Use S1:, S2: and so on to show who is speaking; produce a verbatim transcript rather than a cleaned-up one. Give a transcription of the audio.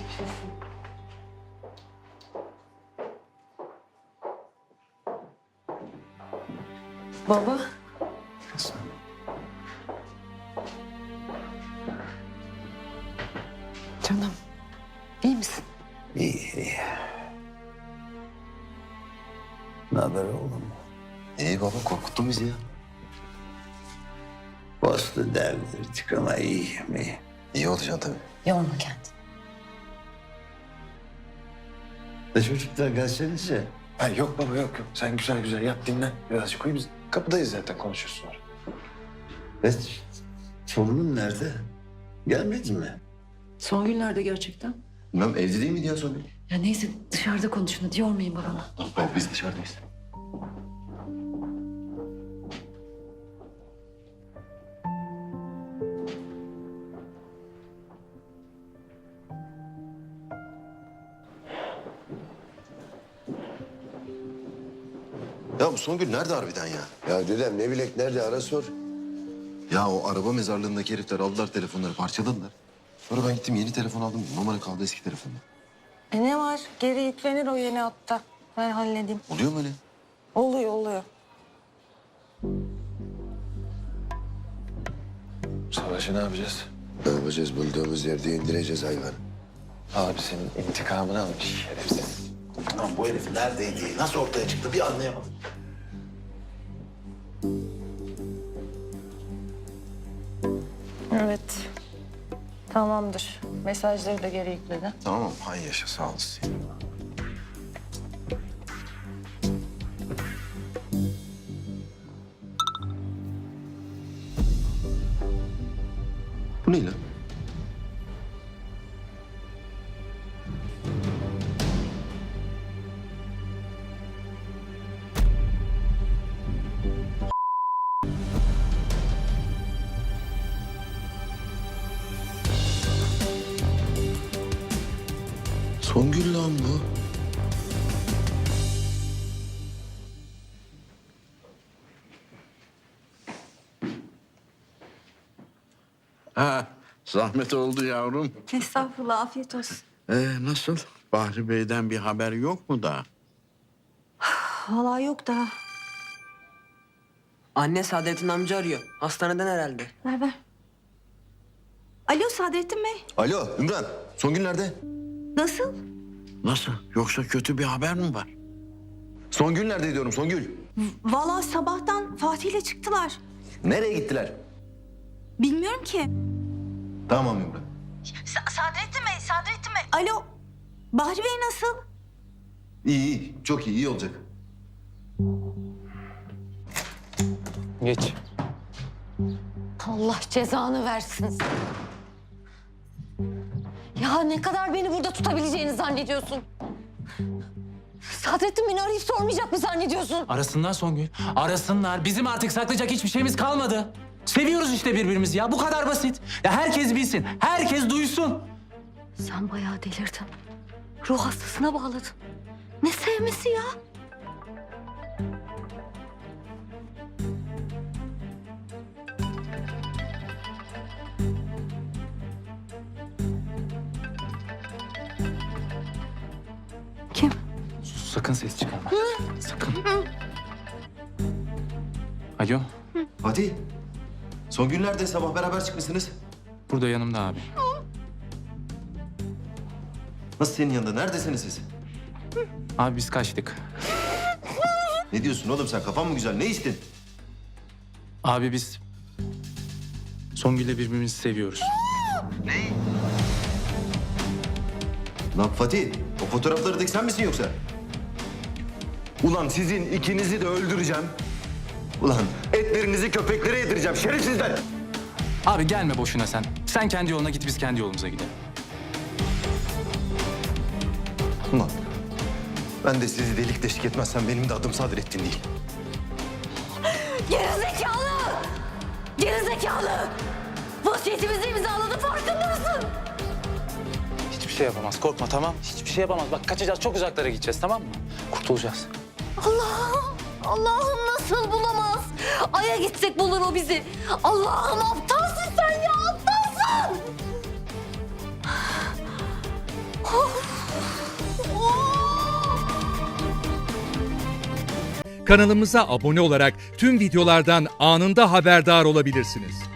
S1: Baba.
S2: Nasıl?
S1: Canım. İyi misin?
S2: İyi, iyi. Ne haber oğlum?
S3: İyi baba, korkuttun bizi ya.
S2: Bastı devdirdik ama iyiyim, iyi.
S3: İyi olacaksın tabii.
S1: Yorma kendini.
S2: E çocuklar gelsenize.
S4: Ha, yok baba yok yok. Sen güzel güzel yat dinlen. Birazcık uyu biz kapıdayız zaten konuşuruz sonra.
S2: E, torunun nerede? Gelmedi mi?
S1: Songül nerede gerçekten?
S3: Bilmem evde değil miydi ya Songül?
S1: Ya neyse dışarıda konuşun hadi yormayın babamı.
S3: Baba biz dışarıdayız. Ya bu Songül nerede harbiden ya?
S5: Ya dedem ne bilek nerede ara sor.
S3: Ya o araba mezarlığındaki herifler aldılar telefonları, parçaladılar. Sonra ben gittim yeni telefon aldım. Numara kaldı eski telefonda.
S6: E ne var? Geri yüklenir o yeni hatta. Ben halledeyim.
S3: Oluyor mu öyle?
S6: Oluyor, oluyor.
S4: Savaşı ne yapacağız?
S5: Ne yapacağız? Bulduğumuz yerde indireceğiz hayvanı.
S4: Abi senin intikamını almış şerefsiz.
S7: Lan bu herif neredeydi? Nasıl ortaya çıktı bir anlayamadım.
S6: Evet. Tamamdır. Mesajları da geri yükledi.
S3: Tamam, hay yaşa sağ olasın. Bu ne lan? Songül lan bu.
S8: Ha, zahmet oldu yavrum.
S6: Estağfurullah, afiyet olsun.
S8: Ee, nasıl? Bahri Bey'den bir haber yok mu da?
S6: Vallahi yok daha.
S9: Anne Saadettin amca arıyor. Hastaneden herhalde.
S6: Ver ver. Alo Saadettin Bey.
S3: Alo Ümran, Songül nerede?
S6: Nasıl?
S8: Nasıl? Yoksa kötü bir haber mi var?
S3: Songül nerede diyorum, Songül?
S6: Vallahi sabahtan Fatih'le çıktılar.
S3: Nereye gittiler?
S6: Bilmiyorum ki.
S3: Tamam Ümran.
S6: Sa- Sadrettin Bey, Sadrettin Bey. Alo. Bahri Bey nasıl?
S3: İyi, iyi. Çok iyi, iyi olacak.
S4: Geç.
S1: Allah cezanı versin. Ya ne kadar beni burada tutabileceğini zannediyorsun? Sadrettin beni arayıp sormayacak mı zannediyorsun?
S10: Arasınlar Songül. Arasınlar. Bizim artık saklayacak hiçbir şeyimiz kalmadı. Seviyoruz işte birbirimizi ya. Bu kadar basit. Ya herkes bilsin. Herkes duysun.
S1: Sen bayağı delirdin. Ruh hastasına bağladın. Ne sevmesi ya? Kim?
S10: Sus, sakın ses çıkarma. Sakın. Alo.
S3: Fatih, Songül nerede? Sabah beraber çıkmışsınız.
S10: Burada yanımda abi.
S3: Nasıl senin yanında? Neredesiniz siz?
S10: Abi biz kaçtık.
S3: Ne diyorsun oğlum sen? Kafan mı güzel? Ne içtin?
S10: Abi biz Songül'le birbirimizi seviyoruz.
S3: Lan Fatih, o fotoğraflardaki sen misin yoksa? Ulan sizin ikinizi de öldüreceğim. Ulan etlerinizi köpeklere yedireceğim şerefsizler.
S10: Abi gelme boşuna sen. Sen kendi yoluna git, biz kendi yolumuza gidelim.
S3: Ulan ben de sizi delik deşik etmezsem benim de adım Sadrettin değil.
S1: Gerizekalı! Gerizekalı! Vasiyetimizi imzaladı farkında mısın?
S10: Hiçbir şey yapamaz. Korkma tamam. Hiçbir şey yapamaz. Bak kaçacağız. Çok uzaklara gideceğiz tamam mı? Kurtulacağız.
S1: Allah'ım! Allah'ım nasıl bulamaz? Ay'a gitsek bulur o bizi. Allah'ım aptalsın sen ya aptalsın!
S11: Kanalımıza abone olarak tüm videolardan anında haberdar olabilirsiniz.